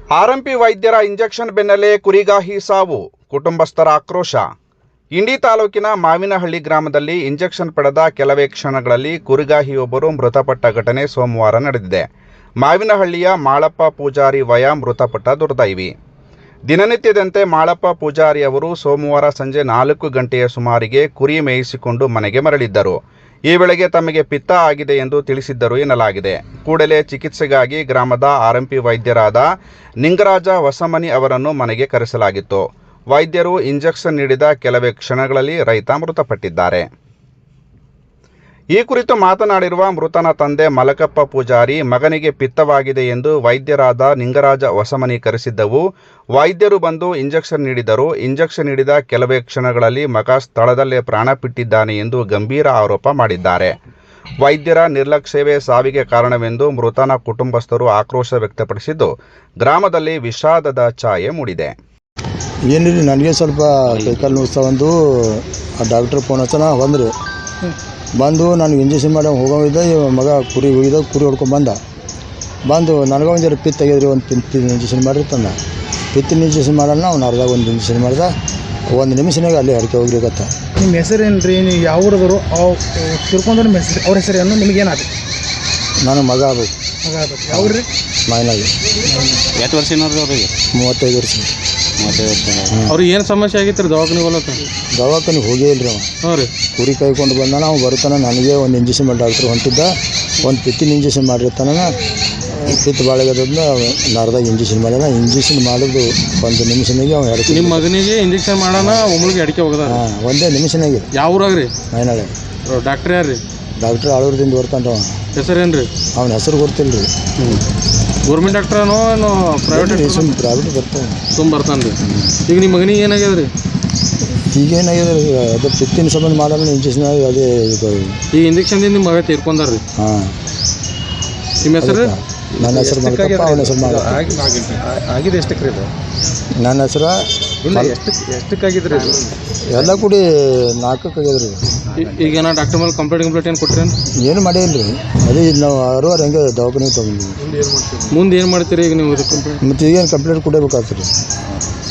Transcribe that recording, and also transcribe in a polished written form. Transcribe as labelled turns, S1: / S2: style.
S1: ಆರ್ಎಂಪಿ ವೈದ್ಯರ ಇಂಜೆಕ್ಷನ್ ಬೆನ್ನಲ್ಲೇ ಕುರಿಗಾಹಿ ಸಾವು, ಕುಟುಂಬಸ್ಥರ ಆಕ್ರೋಶ. ಇಂಡಿ ತಾಲೂಕಿನ ಮಾವಿನಹಳ್ಳಿ ಗ್ರಾಮದಲ್ಲಿ ಇಂಜೆಕ್ಷನ್ ಪಡೆದ ಕೆಲವೇ ಕ್ಷಣಗಳಲ್ಲಿ ಕುರಿಗಾಹಿಯೊಬ್ಬರು ಮೃತಪಟ್ಟ ಘಟನೆ ಸೋಮವಾರ ನಡೆದಿದೆ. ಮಾವಿನಹಳ್ಳಿಯ ಮಾಳಪ್ಪ ಪೂಜಾರಿ ವಯ ಮೃತಪಟ್ಟ ದುರ್ದೈವಿ. ದಿನನಿತ್ಯದಂತೆ ಮಾಳಪ್ಪ ಪೂಜಾರಿ ಅವರು ಸೋಮವಾರ ಸಂಜೆ 4 ಗಂಟೆಯ ಸುಮಾರಿಗೆ ಕುರಿ ಮೇಯಿಸಿಕೊಂಡು ಮನೆಗೆ ಮರಳಿದ್ದರು. ಈ ವೇಳೆಗೆ ತಮಗೆ ಪಿತ್ತ ಆಗಿದೆ ಎಂದು ತಿಳಿಸಿದ್ದರು ಎನ್ನಲಾಗಿದೆ. ಕೂಡಲೇ ಚಿಕಿತ್ಸೆಗಾಗಿ ಗ್ರಾಮದ ಆರ್ಎಂಪಿ ವೈದ್ಯರಾದ ನಿಂಗರಾಜ ಹೊಸಮನಿ ಅವರನ್ನು ಮನೆಗೆ ಕರೆಸಲಾಗಿತ್ತು. ವೈದ್ಯರು ಇಂಜೆಕ್ಷನ್ ನೀಡಿದ ಕೆಲವೇ ಕ್ಷಣಗಳಲ್ಲಿ ರೈತ ಮೃತಪಟ್ಟಿದ್ದಾರೆ. ಈ ಕುರಿತು ಮಾತನಾಡಿರುವ ಮೃತನ ತಂದೆ ಮಲಕಪ್ಪ ಪೂಜಾರಿ, ಮಗನಿಗೆ ಪಿತ್ತವಾಗಿದೆ ಎಂದು ವೈದ್ಯರಾದ ನಿಂಗರಾಜ ಹೊಸಮನಿ ಕರೆಸಿದ್ದವು. ವೈದ್ಯರು ಬಂದು ಇಂಜೆಕ್ಷನ್ ನೀಡಿದರು. ಇಂಜೆಕ್ಷನ್ ನೀಡಿದ ಕೆಲವೇ ಕ್ಷಣಗಳಲ್ಲಿ ಮಗ ಸ್ಥಳದಲ್ಲೇ ಪ್ರಾಣಬಿಟ್ಟಿದ್ದಾನೆ ಎಂದು ಗಂಭೀರ ಆರೋಪ ಮಾಡಿದ್ದಾರೆ. ವೈದ್ಯರ ನಿರ್ಲಕ್ಷ್ಯವೇ ಸಾವಿಗೆ ಕಾರಣವೆಂದು ಮೃತನ ಕುಟುಂಬಸ್ಥರು ಆಕ್ರೋಶ ವ್ಯಕ್ತಪಡಿಸಿದ್ದು, ಗ್ರಾಮದಲ್ಲಿ ವಿಷಾದದ ಛಾಯೆ ಮೂಡಿದೆ.
S2: ಏನಿಲ್ಲ, ನನಗೆ ಸ್ವಲ್ಪ ಕೈಕಾಲು ನೋವಿಸ್ತಾ ಒಂದು ಡಾಕ್ಟ್ರ್ ಫೋನ್ ಹಚ್ಚನ ಬಂದು ನನಗೆ ಇಂಜೆಕ್ಷನ್ ಮಾಡಿ ಹೋಗೋವಿದ್ದ. ಮಗ ಕುರಿ ಹೋಗಿದ್ದ, ಕುರಿ ಹೊಡ್ಕೊಂಡು ಬಂದು ನನಗೆ ಒಂದು ಪಿತ್ ತೆಗೆದ್ರಿ, ಒಂದು ಪಿತ್ತಿನ ಇಂಜೆಕ್ಷನ್ ಮಾಡಿರ್ತಾನೆ. ಪಿತ್ತಿನ ಇಂಜೆಕ್ಷನ್ ಮಾಡೋಣ ಅವ್ನು ಅರ್ಧ ಒಂದು ಇಂಜೆಕ್ಷನ್ ಮಾಡ್ದ. 1 ನಿಮಿಷನಾಗ ಅಲ್ಲಿ ಅಡಿಕೆ ಹೋಗ್ಲಿಕತ್ತ.
S3: ನಿಮ್ಮ ಹೆಸರೇನು ರೀ? ನೀವು ಯಾವ ಊರದವರು? ತಿರ್ಕೊಂಡ್ರೆ ನಿಮ್ಮ ಹೆಸರು, ಅವ್ರ ಹೆಸರೇನು? ನಿಮಗೇನಾದ್ರು?
S2: ನಾನು ಮಗ ಆಗ್ಬೇಕು.
S3: ಮಗ ಆಗ್ಬೇಕು. ಯಾವ ರೀ?
S2: ಮಾಯನಾಗಿ.
S4: ಎಷ್ಟು ವರ್ಷ ಅವ್ರಿಗೆ?
S2: 35 ವರ್ಷ.
S4: 35 ವರ್ಷ. ಅವ್ರಿಗೆ ಏನು ಸಮಸ್ಯೆ ಆಗಿತ್ತು ರೀ?
S2: ದವಾಖಾನಿಗೆ ಹೋಗೇ ಇಲ್ಲ ರೀ ಅವ.
S4: ಹಾಂ ರೀ.
S2: ಕುರಿ ಕಾಯ್ಕೊಂಡು ಬಂದಾನ. ಅವ್ನು ಬರ್ತಾನೆ, ನನಗೆ ಒಂದು ಇಂಜೆಕ್ಷನ್ ಮಾಡಿ ಡಾಕ್ಟ್ರ್ ಹೊಂಟಿದ್ದ. ಒಂದು ಪಿತ್ತಿನ ಇಂಜೆಕ್ಷನ್ ಮಾಡಿರ್ತಾನ. ಪಿತ್ ಬಾಳೆಗದ್ರಿಂದ ಅರ್ಧ ಇಂಜೆಕ್ಷನ್ ಮಾಡ್ಯಾನ. ಇಂಜೆಕ್ಷನ್ ಮಾಡೋದು 1 ನಿಮಿಷನಾಗೆ ಅವ್ನು ಅಡಿಕೆ. ನಿಮ್ಮ
S4: ಮಗನಿಗೆ ಇಂಜೆಕ್ಷನ್ ಮಾಡೋಣ ಒಮ್ಮಳಿಗೆ ಅಡಿಕೆ ಹೋಗದ?
S2: ಹಾಂ, 1 ನಿಮಿಷನಾಗೆ.
S4: ಯಾವ ಊರಾಗ ರೀ?
S2: ಮೈನಾಳೆ.
S4: ಡಾಕ್ಟ್ರ್ ಯಾರು ರೀ?
S2: ಡಾಕ್ಟ್ರ್ ಆಳೂರದಿಂದ ಬರ್ತಾನೆ.
S4: ಹೆಸರೇನು ರೀ?
S2: ಅವನ ಹೆಸರು ಗೊತ್ತಿಲ್ಲ ರೀ.
S4: ಗೌರ್ಮೆಂಟ್ ಡಾಕ್ಟ್ರನೋ ಏನೋ ಪ್ರೈವೇಟ್?
S2: ಪ್ರೈವೇಟ್ ಬರ್ತಾನೆ.
S4: ಬರ್ತಾನೆ ರೀ. ಈಗ ನಿಮ್ಮ ಮಗನಿಗೆ ಏನಾಗ್ಯದ ರೀ?
S2: ಈಗೇನಾಗಿದೆ ರೀ, ಅದು ಪಿತ್ತಿನ ಸಂಬಂಧ ಮಾಡೋಣ ಇಂಜೆಕ್ಷನ್ ಆಗಿ ಅದೇ
S4: ಈ ಇಂಜೆಕ್ಷನ್ದಿಂದ ನಿಮ್ಮ ಮಗ ತೀರ್ಕೊಂಡಾರ ರೀ?
S2: ಹಾಂ.
S4: ನಿಮ್ಮ ಹೆಸರು?
S2: ನನ್ನ ಹೆಸರು ಮಲಕಪ್ಪ, ಅವನ ಹೆಸರು ಮಾಡ.
S3: ಆಗಿದೆ ಎಷ್ಟಕ್ಕೆ ರೀ?
S2: ನನ್ನ ಹೆಸರು
S3: ಇಲ್ಲ, ಎಷ್ಟಕ್ಕಾಗಿದ್ರಿ?
S2: ಎಲ್ಲ ಕೂಡಿ 4ಕ್ಕೆ ಆಗ್ಯದ್ರಿ.
S4: ಈಗ ನಾ ಡಾಕ್ಟರ್ ಮೇಲೆ ಕಂಪ್ಲೇಂಟ್ ಏನು ಕೊಟ್ರಿ?
S2: ಏನು ಮಾಡಿಲ್ಲ ರೀ. ಅದೇ ನಾವು 6 ಹಂಗೆ ದವಾಖಾನೆ ತೊಗೊಂಡಿವಿ.
S4: ಮುಂದೆ ಏನು ಮಾಡ್ತೀರಿ ಈಗ ನೀವು?
S2: ಮತ್ತು ಈಗೇನು ಕಂಪ್ಲೇಂಟ್ ಕೊಡಬೇಕಾಗ್ತದೆ ರೀ.